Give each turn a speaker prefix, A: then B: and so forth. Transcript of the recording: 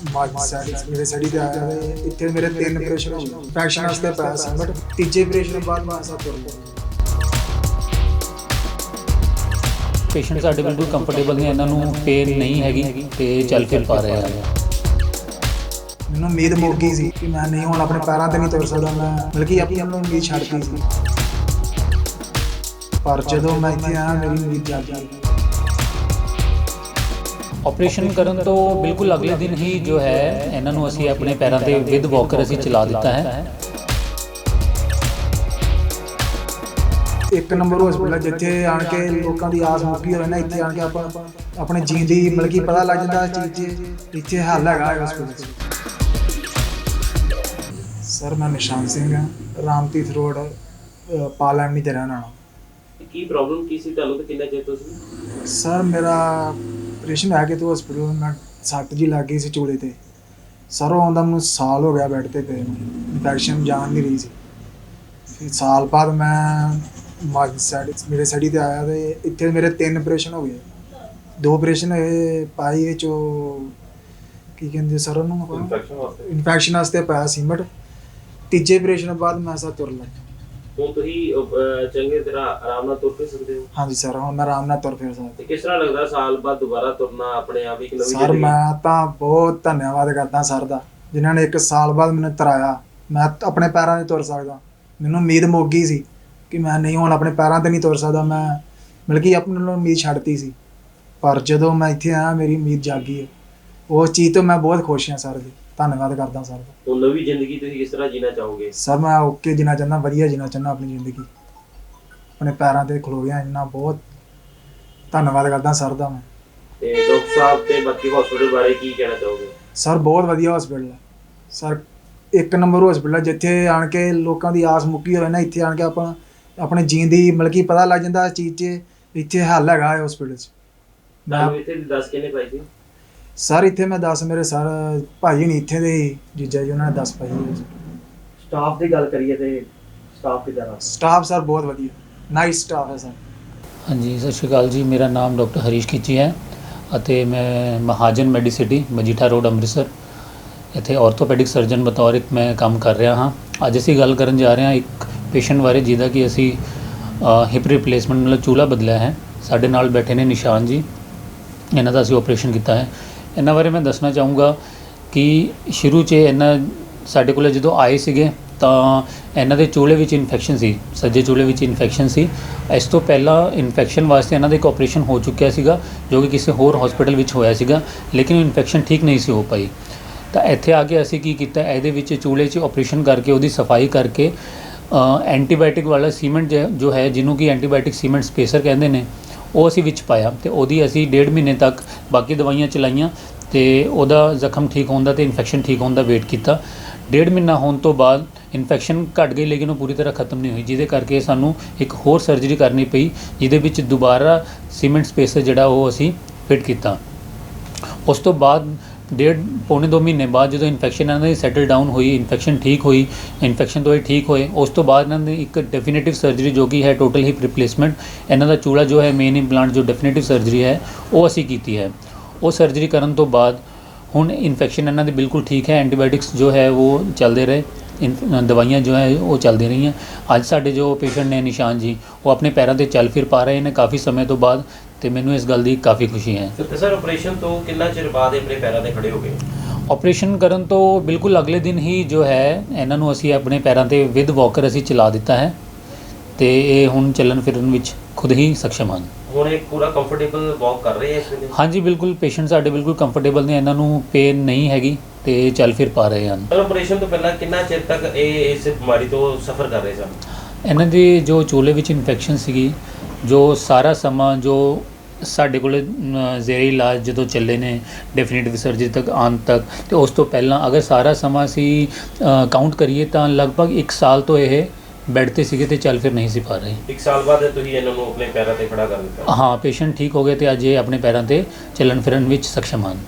A: ਮੇਰੇ ਸੜੀ ਤੇ ਆਇਆ ਤੇ ਇੱਥੇ ਮੇਰੇ 3 ਆਪਰੇਸ਼ਨ ਹੋ ਗਏ। ਇਨਫੈਕਸ਼ਨ ਵਾਸਤੇ ਪਾਇਆ ਸੀ ਬਟ ਤੀਜੇ ਆਪਰੇਸ਼ਨ ਬਾਅਦ ਮੈਂ ਸਭ ਤੁਰ ਲਿਆ।
B: ਪੇਸ਼ੈਂਟ ਸਾਡੇ ਬਿਲਕੁਲ ਕੰਫਰਟੇਬਲ ਨੇ, ਇਹਨਾਂ ਨੂੰ ਪੇਨ ਨਹੀਂ ਹੈਗੀ ਤੇ ਚੱਲ ਫਿਰ ਪਾ ਰਹੇ ਆ।
A: ਮੈਨੂੰ ਉਮੀਦ ਮੁੱਕ ਗਈ ਸੀ ਕਿ ਮੈਂ ਨਹੀਂ ਹੁਣ ਆਪਣੇ ਪੈਰਾਂ ਤੇ ਨਹੀਂ ਤੁਰ ਸਕਦਾ, ਮੈਂ ਬਲਕਿ ਆਪਣੀ ਉਮੀਦ ਛੱਡਤੀ ਸੀ। ਪਰ ਜਦੋਂ ਮੈਂ ਇੱਥੇ ਆਇਆ ਮੇਰੀ ਉਮੀਦ ਜਾਗ ਗਈ।
B: ਆਪਰੇਸ਼ਨ ਕਰਨ ਤੋਂ ਬਿਲਕੁਲ ਅਗਲੇ ਦਿਨ ਹੀ ਜੋ ਹੈ ਇਹਨਾਂ ਨੂੰ ਅਸੀਂ ਆਪਣੇ ਪੈਰਾਂ ਤੇ ਵਿਦ ਵਾਕਰ ਅਸੀਂ ਚਲਾ ਦਿੱਤਾ ਹੈ।
A: ਇੱਕ ਨੰਬਰ ਹਸਪੀਟਲ ਜਿੱਥੇ ਆਣ ਕੇ ਲੋਕਾਂ ਦੀ ਆਸ ਮੁੱਕੀ ਹੋਵੇ ਨਾ, ਇੱਥੇ ਆਣ ਕੇ ਆਪਾਂ ਆਪਣੇ ਜੀਣ ਦੀ ਬਲਕਿ ਪਤਾ ਲੱਗ ਜਾਂਦਾ ਚੀਜ਼ ਇੱਥੇ ਹੱਲ ਹੈਗਾ ਹਸਪੀਟਲ 'ਚ। ਸਰ ਮੈਂ ਨਿਸ਼ਾਨ ਸਿੰਘ ਹਾਂ, ਰਾਮਤੀਰਥ ਰੋਡ ਪਾਲੈਂਡ ਦੇ ਰਹਿਣ ਵਾਲਾ।
C: ਕੀ ਪ੍ਰੋਬਲਮ ਕੀ ਸੀ ਤੁਹਾਨੂੰ ਤੇ ਕਿੰਨਾ ਚਿਰ ਤੋਂ ਸੀ?
A: ਸਰ ਮੇਰਾ ਆਪਰੇਸ਼ਨ ਹੈ ਕਿ ਤੂੰ ਹਸਪੀਟਲ ਮੈਂ ਸੱਟ ਜੀ ਲੱਗ ਗਈ ਸੀ ਚੂਲੇ ਤੇ। ਸਰ ਉਹ ਆਉਂਦਾ ਮੈਨੂੰ ਸਾਲ ਹੋ ਗਿਆ ਬੈੱਡ ਤੇ ਪਏ ਨੂੰ, ਇਨਫੈਕਸ਼ਨ ਜਾਣ ਨਹੀਂ ਰਹੀ ਸੀ। ਫਿਰ ਸਾਲ ਬਾਅਦ ਮੈਂ ਮੇਰੇ ਸੜੀ ਤੇ ਆਇਆ ਤੇ ਇੱਥੇ ਮੇਰੇ 3 ਆਪਰੇਸ਼ਨ ਹੋ ਗਏ। 2 ਆਪਰੇਸ਼ਨ ਹੋਏ ਪਾਈ ਵਿੱਚ ਉਹ ਕੀ ਕਹਿੰਦੇ ਸਰ ਉਹਨੂੰ ਇਨਫੈਕਸ਼ਨ ਵਾਸਤੇ ਪਾਇਆ ਸੀ ਬਟ ਤੀਜੇ ਆਪਰੇਸ਼ਨ ਬਾਅਦ ਮੈਂ ਸਭ ਤੁਰ ਲਿਆ।
C: ਹੁਣ ਤੁਸੀਂ ਚੰਗੇ ਤਰ੍ਹਾਂ ਆਰਾਮ ਨਾਲ ਤੁਰ ਫਿਰ ਸਕਦੇ ਹੋ?
A: ਹਾਂਜੀ ਸਰ ਹੁਣ ਮੈਂ ਆਰਾਮ ਨਾਲ ਤੁਰ ਫਿਰ ਸਕਦਾ।
C: ਤੇ ਕਿਸ ਤਰ੍ਹਾਂ ਲੱਗਦਾ ਸਾਲ ਬਾਅਦ ਦੁਬਾਰਾ ਤੁਰਨਾ ਆਪਣੇ ਆਪ ਇੱਕ ਨਵੀਂ
A: ਸਰ
C: ਜ਼ਿੰਦਗੀ?
A: ਮੈਂ ਤਾਂ ਬਹੁਤ ਧੰਨਵਾਦ ਕਰਦਾ ਸਰ ਦਾ, ਜਿਨ੍ਹਾਂ ਨੇ 1 ਸਾਲ ਬਾਅਦ ਮੈਨੂੰ ਤਰਾਇਆ। ਮੈਂ ਆਪਣੇ ਪੈਰਾਂ 'ਤੇ ਤੁਰ ਸਕਦਾ। ਮੈਨੂੰ ਉਮੀਦ ਮੁੱਕ ਗਈ ਸੀ ਕਿ ਮੈਂ ਨਹੀਂ ਹੁਣ ਆਪਣੇ ਪੈਰਾਂ 'ਤੇ ਨਹੀਂ ਤੁਰ ਸਕਦਾ, ਮੈਂ ਬਲਕਿ ਆਪਣੇ ਨੂੰ ਉਮੀਦ ਛੱਡਤੀ ਸੀ। ਪਰ ਜਦੋਂ ਮੈਂ ਇੱਥੇ ਆਇਆ ਮੇਰੀ ਉਮੀਦ ਜਾਗ ਗਈ ਹੈ। ਉਸ ਚੀਜ਼ ਤੋਂ ਮੈਂ ਬਹੁਤ ਖੁਸ਼ ਹਾਂ ਸਰ ਜੀ, ਧੰਨਵਾਦ ਕਰਦਾ ਸਰ ਦਾ।
C: ਹੁਣ ਨਵੀਂ ਜ਼ਿੰਦਗੀ ਤੁਸੀਂ ਕਿਸ ਤਰ੍ਹਾਂ ਜੀਣਾ ਚਾਹੋਗੇ?
A: ਸਰ ਮੈਂ ਓਕੇ ਜੀਣਾ ਚਾਹੁੰਦਾ, ਵਧੀਆ ਜੀਣਾ ਚਾਹੁੰਦਾ ਆਪਣੀ ਜ਼ਿੰਦਗੀ, ਆਪਣੇ ਪੈਰਾਂ 'ਤੇ ਖਲੋ ਗਿਆ। ਇੰਨਾ ਬਹੁਤ ਧੰਨਵਾਦ ਕਰਦਾ ਸਰ ਦਾ ਮੈਂ।
C: ਤੇ ਡਾਕਟਰ ਸਾਹਿਬ ਤੇ ਬਾਕੀ ਹਸਪੀਟਲ ਬਾਰੇ ਕੀ ਕਹਿਣਾ ਚਾਹੋਗੇ?
A: ਸਰ ਬਹੁਤ ਵਧੀਆ ਹਸਪੀਟਲ ਹੈ ਸਰ, 1 ਨੰਬਰ ਹਸਪੀਟਲ ਹੈ ਜਿੱਥੇ ਆਣ ਕੇ ਲੋਕਾਂ ਦੀ ਆਸ ਮੁੱਕੀ ਹੋਵੇ ਨਾ, ਇੱਥੇ ਆਣ ਕੇ ਆਪਾਂ ਆਪਣੇ ਜੀਣ ਦੀ ਬਲਕਿ ਪਤਾ ਲੱਗ ਜਾਂਦਾ ਚੀਜ਼ 'ਚ ਇੱਥੇ ਹੱਲ ਹੈਗਾ ਹਸਪੀਟਲ 'ਚ।
C: ਤੁਹਾਨੂੰ ਇੱਥੇ ਦੱਸ ਕਿਹਨੇ ਪਾਈ ਸੀ?
A: ਸਰ ਇੱਥੇ ਮੈਂ 10 ਮੇਰੇ ਸਰ ਭਾਈ ਨਹੀਂ ਇੱਥੇ ਦੇ ਜੀਜਾ ਜੀ, ਉਹਨਾਂ ਨੇ 10 ਪਾਈ।
C: ਸਟਾਫ ਦੀ ਗੱਲ ਕਰੀਏ ਤੇ ਸਟਾਫ ਕਿਦਾਂ ਦਾ?
A: ਸਟਾਫ ਸਰ ਬਹੁਤ ਵਧੀਆ, ਨਾਈਸ ਸਟਾਫ ਹੈ ਸਰ।
B: ਹਾਂਜੀ, ਸਤਿ ਸ਼੍ਰੀ ਅਕਾਲ ਜੀ। ਮੇਰਾ ਨਾਮ ਡਾਕਟਰ ਹਰੀਸ਼ ਖਿੱਚੀ ਹੈ ਅਤੇ ਮੈਂ ਮਹਾਜਨ ਮੈਡੀਸਿਟੀ ਮਜੀਠਾ ਰੋਡ ਅੰਮ੍ਰਿਤਸਰ ਇੱਥੇ ਆਰਥੋਪੈਡਿਕ ਸਰਜਨ ਬਤੌਰ ਇੱਕ ਮੈਂ ਕੰਮ ਕਰ ਰਿਹਾ ਹਾਂ। ਅੱਜ ਅਸੀਂ ਗੱਲ ਕਰਨ ਜਾ ਰਹੇ ਹਾਂ ਇੱਕ ਪੇਸ਼ੈਂਟ ਬਾਰੇ ਜਿਹਦਾ ਕਿ ਅਸੀਂ ਹਿਪ ਰਿਪਲੇਸਮੈਂਟ ਮਤਲਬ ਚੂਲਾ ਬਦਲਿਆ ਹੈ। ਸਾਡੇ ਨਾਲ ਬੈਠੇ ਨੇ ਨਿਸ਼ਾਨ ਜੀ, ਇਹਨਾਂ ਦਾ ਅਸੀਂ ਆਪਰੇਸ਼ਨ ਕੀਤਾ ਹੈ। ਇਹਨਾਂ ਬਾਰੇ ਮੈਂ ਦੱਸਣਾ ਚਾਹੂँਗਾ ਕਿ ਸ਼ੁਰੂ 'ਚ ਇਹਨਾਂ ਸਾਡੇ ਕੋਲ ਜਦੋਂ ਆਏ ਸੀਗੇ ਤਾਂ ਇਹਨਾਂ ਦੇ ਚੂਲੇ ਵਿੱਚ ਇਨਫੈਕਸ਼ਨ ਸੀ, ਸੱਜੇ ਚੂਲੇ ਵਿੱਚ ਇਨਫੈਕਸ਼ਨ ਸੀ। ਇਸ ਤੋਂ ਪਹਿਲਾਂ ਇਨਫੈਕਸ਼ਨ ਵਾਸਤੇ ਇਹਨਾਂ ਦਾ ਇੱਕ ਆਪਰੇਸ਼ਨ ਹੋ ਚੁੱਕਿਆ ਸੀਗਾ ਜੋ ਕਿ ਕਿਸੇ ਹੋਰ ਹਸਪੀਟਲ ਵਿੱਚ ਹੋਇਆ ਸੀਗਾ, ਲੇਕਿਨ ਇਨਫੈਕਸ਼ਨ ਠੀਕ ਨਹੀਂ ਸੀ ਹੋ ਪਾਈ। ਤਾਂ ਇੱਥੇ ਆ ਕੇ ਅਸੀਂ ਕੀ ਕੀਤਾ, ਇਹਦੇ ਵਿੱਚ ਚੂਲੇ 'ਚ ਆਪਰੇਸ਼ਨ ਕਰਕੇ ਉਹਦੀ ਸਫਾਈ ਕਰਕੇ ਐਂਟੀਬਾਇਓਟਿਕ ਵਾਲਾ ਸੀਮੈਂਟ ਜੋ ਹੈ ਜਿਹਨੂੰ ਕਿ ਐਂਟੀਬਾਇਓਟਿਕ ਸੀਮੈਂਟ ਸਪੇਸਰ ਕਹਿੰਦੇ ਨੇ, ਉਹ ਅਸੀਂ ਵਿੱਚ ਪਾਇਆ ਤੇ ਉਹਦੀ ਅਸੀਂ 1.5 ਮਹੀਨੇ ਤੱਕ ਬਾਕੀ ਦਵਾਈਆਂ ਚਲਾਈਆਂ ਤੇ ਉਹਦਾ ਜ਼ਖਮ ਠੀਕ ਹੋਣ ਦਾ ਤੇ ਇਨਫੈਕਸ਼ਨ ਠੀਕ ਹੋਣ ਦਾ ਵੇਟ ਕੀਤਾ। 1.5 ਮਹੀਨਾ ਹੋਣ ਤੋਂ ਬਾਅਦ ਇਨਫੈਕਸ਼ਨ ਘਟ ਗਈ ਲੇਕਿਨ ਉਹ ਪੂਰੀ ਤਰ੍ਹਾਂ ਖਤਮ ਨਹੀਂ ਹੋਈ, ਜਿਹਦੇ ਕਰਕੇ ਸਾਨੂੰ ਇੱਕ ਹੋਰ ਸਰਜਰੀ ਕਰਨੀ ਪਈ ਜਿਹਦੇ ਵਿੱਚ ਦੁਬਾਰਾ ਸੀਮੈਂਟ ਸਪੇਸਰ ਜਿਹੜਾ ਉਹ ਅਸੀਂ ਫਿਟ ਕੀਤਾ। ਉਸ ਤੋਂ ਬਾਅਦ ਪੌਣੇ 2 ਮਹੀਨੇ ਬਾਅਦ ਜਦੋਂ ਇਨਫੈਕਸ਼ਨ ਇਹਨਾਂ ਦੀ ਸੈਟਲ ਡਾਊਨ ਹੋਈ, ਇਨਫੈਕਸ਼ਨ ਠੀਕ ਹੋਈ, ਇਨਫੈਕਸ਼ਨ ਤੋਂ ਇਹ ਠੀਕ ਹੋਏ, ਉਸ ਤੋਂ ਬਾਅਦ ਇਹਨਾਂ ਦੀ ਇੱਕ ਡੈਫੀਨੇਟਿਵ ਸਰਜਰੀ ਜੋ ਕਿ ਹੈ ਟੋਟਲ ਹਿਪ ਰਿਪਲੇਸਮੈਂਟ, ਇਹਨਾਂ ਦਾ ਚੂਲਾ ਜੋ ਹੈ ਮੇਨ ਇੰਪਲਾਂਟ ਜੋ ਡੈਫੀਨੇਟਿਵ ਸਰਜਰੀ ਹੈ ਉਹ ਅਸੀਂ ਕੀਤੀ ਹੈ। ਉਹ ਸਰਜਰੀ ਕਰਨ ਤੋਂ ਬਾਅਦ ਹੁਣ ਇਨਫੈਕਸ਼ਨ ਇਹਨਾਂ ਦੀ ਬਿਲਕੁਲ ਠੀਕ ਹੈ। ਐਂਟੀਬਾਇਓਟਿਕਸ ਜੋ ਹੈ ਉਹ ਚੱਲਦੇ ਰਹੇ, ਦਵਾਈਆਂ ਜੋ ਹੈ ਉਹ ਚੱਲਦੀ ਰਹੀਆਂ। ਅੱਜ ਸਾਡੇ ਜੋ ਪੇਸ਼ੈਂਟ ਨੇ ਨਿਸ਼ਾਨ ਜੀ, ਉਹ ਆਪਣੇ ਪੈਰਾਂ 'ਤੇ ਚੱਲ ਫਿਰ ਪਾ ਰਹੇ ਨੇ ਕਾਫੀ ਸਮੇਂ ਤੋਂ ਬਾਅਦ ਤੇ ਮੈਨੂੰ ਇਸ ਗੱਲ ਦੀ ਕਾਫੀ ਖੁਸ਼ੀ ਹੈ।
C: ਤੇ ਸਰ ਆਪਰੇਸ਼ਨ ਤੋਂ ਕਿੰਨਾ ਚਿਰ ਬਾਅਦ ਆਪਣੇ ਪੈਰਾਂ 'ਤੇ ਖੜੇ ਹੋ ਗਏ?
B: ਆਪਰੇਸ਼ਨ ਕਰਨ ਤੋਂ ਬਿਲਕੁਲ ਅਗਲੇ ਦਿਨ ਹੀ ਜੋ ਹੈ ਇਹਨਾਂ ਨੂੰ ਅਸੀਂ ਆਪਣੇ ਪੈਰਾਂ 'ਤੇ ਵਿਦ ਵਾਕਰ ਅਸੀਂ ਚਲਾ ਦਿੱਤਾ ਹੈ ਤੇ ਇਹ ਹੁਣ ਚੱਲਣ ਫਿਰਨ ਵਿੱਚ ਖੁਦ ਹੀ ਸક્ષਮ ਹਨ।
C: ਹੁਣ ਇਹ ਪੂਰਾ ਕੰਫਰਟੇਬਲ ਵਾਕ ਕਰ ਰਹੇ ਹੈ ਇਸ ਵੇਲੇ? ਹਾਂਜੀ,
B: ਬਿਲਕੁਲ ਪੇਸ਼ੈਂਟ ਸਾਡੇ ਬਿਲਕੁਲ ਕੰਫਰਟੇਬਲ ਨੇ, ਇਹਨਾਂ ਨੂੰ ਪੇਨ ਨਹੀਂ ਹੈਗੀ ਤੇ ਚੱਲ ਫਿਰ ਪਾ ਰਹੇ ਹਨ।
C: ਸਰ ਆਪਰੇਸ਼ਨ ਤੋਂ ਪਹਿਲਾਂ ਕਿੰਨਾ ਚਿਰ ਤੱਕ ਇਹ ਇਸ ਬਿਮਾਰੀ ਤੋਂ ਸਫਰ ਕਰ ਰਹੇ ਸਨ?
B: ਇਹਨਾਂ ਦੀ ਜੋ ਚੂਲੇ ਵਿੱਚ ਇਨਫੈਕਸ਼ਨ ਸੀਗੀ, ਜੋ ਸਾਰਾ ਸਮਾਂ ਜੋ ਸਾਡੇ ਕੋਲ ਜ਼ੇਰੇ ਇਲਾਜ ਜਦੋਂ ਚੱਲੇ ਨੇ ਡੈਫੀਨੇਟਿਵ ਸਰਜਰੀ ਤੱਕ ਆਉਣ ਤੱਕ, ਤੇ ਉਸ ਤੋਂ ਪਹਿਲਾਂ ਅਗਰ ਸਾਰਾ ਸਮਾਂ ਅਸੀਂ ਕਾਊਂਟ ਕਰੀਏ ਤਾਂ ਲਗਭਗ 1 ਸਾਲ ਤੋਂ ਇਹ ਬੈੱਡ ਤੇ ਸੀਗੇ ਤੇ ਚੱਲ ਫਿਰ ਨਹੀਂ ਸੀ ਪਾ ਰਹੇ।
C: 1 ਸਾਲ ਬਾਅਦ ਤੁਸੀਂ ਇਹਨਾਂ ਨੂੰ ਆਪਣੇ ਪੈਰਾਂ 'ਤੇ ਖੜਾ ਕਰ ਦਿੱਤਾ?
B: ਹਾਂ, ਪੇਸ਼ੈਂਟ ਠੀਕ ਹੋ ਗਏ ਤੇ ਅੱਜ ਇਹ ਆਪਣੇ ਪੈਰਾਂ 'ਤੇ ਚੱਲਣ ਫਿਰਨ ਵਿੱਚ ਸક્ષਮ ਹਨ।